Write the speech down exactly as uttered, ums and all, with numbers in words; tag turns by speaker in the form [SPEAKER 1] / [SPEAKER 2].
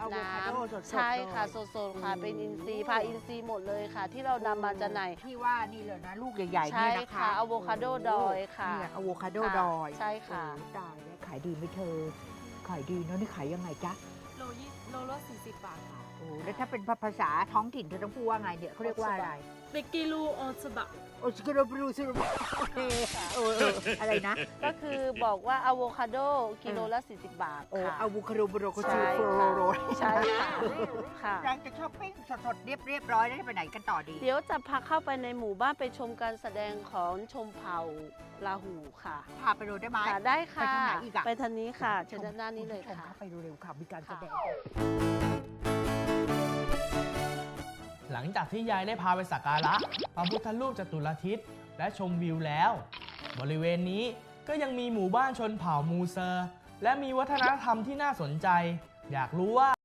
[SPEAKER 1] น้ำใช่ค่ะสดๆค่ะเป็นอินทรีย์พาอินทรีย์หมดเลยค่ะ ที่เรานำมาจากไหน
[SPEAKER 2] ที่ว่านี่เลยนะลูกใหญ่ๆ
[SPEAKER 1] ใช่
[SPEAKER 2] เนี่ยนะคะ
[SPEAKER 1] ค่ะอะโวคาโดดอยค่ะ
[SPEAKER 2] นี่อะโวคาโดดอย
[SPEAKER 1] ใช่ค่ะ
[SPEAKER 2] ตายแล้วขายดีไหมเธอขายดีเนาะนี่ขายยังไงจ๊ะ
[SPEAKER 3] โลยี่โลละสี่สิบบาทค่ะ
[SPEAKER 2] โอ้แล้วถ้าเป็นภาษาท้องถิ่นเธอต้องพูดว่าไงเนี่ยเขาเรียกว่าอะไร
[SPEAKER 3] เบกกิลูโอซบะ
[SPEAKER 2] โอชิเกโรบรูซูรุโอเคเออเอออะไรนะ
[SPEAKER 1] ก็คือบอกว่าอะโวคาโดกิโลละสี่สิบบาท
[SPEAKER 2] โอ้
[SPEAKER 1] ค่ะ
[SPEAKER 2] อะโวคาโดบรูโกชู
[SPEAKER 1] ใช่
[SPEAKER 2] โฟโร
[SPEAKER 1] ค่ะ
[SPEAKER 2] โร
[SPEAKER 1] ใช่ค่ะค่ะ
[SPEAKER 2] เราจะช้อปปิ้งสดๆเรียบเรียบร้อยแล้วจะไปไหนกันต่อดี
[SPEAKER 1] เดี๋ยวจะพาเข้าไปในหมู่บ้านไปชมการแสดงของชมเผ่าลาหูค่ะ
[SPEAKER 2] พาไปดูได้ไหม
[SPEAKER 1] ค่ะได้ค่ะ
[SPEAKER 2] ไปทางไหนอีกอะ
[SPEAKER 1] ไปทางนี้ค่ะเชิญด้านหน้านี้เลย
[SPEAKER 2] ณผู้ชม
[SPEAKER 1] ค่ะ
[SPEAKER 2] เข้าไปเร็วๆค่ะมีการแสดง
[SPEAKER 4] หลังจากที่ยายได้พาไปสักการะพระพุทธรูปจตุรทิศและชมวิวแล้ว บริเวณนี้ก็ยังมีหมู่บ้านชนเผ่ามูเซอร์ และมีวัฒนธรรมที่น่าสนใจ อยากรู้ว่า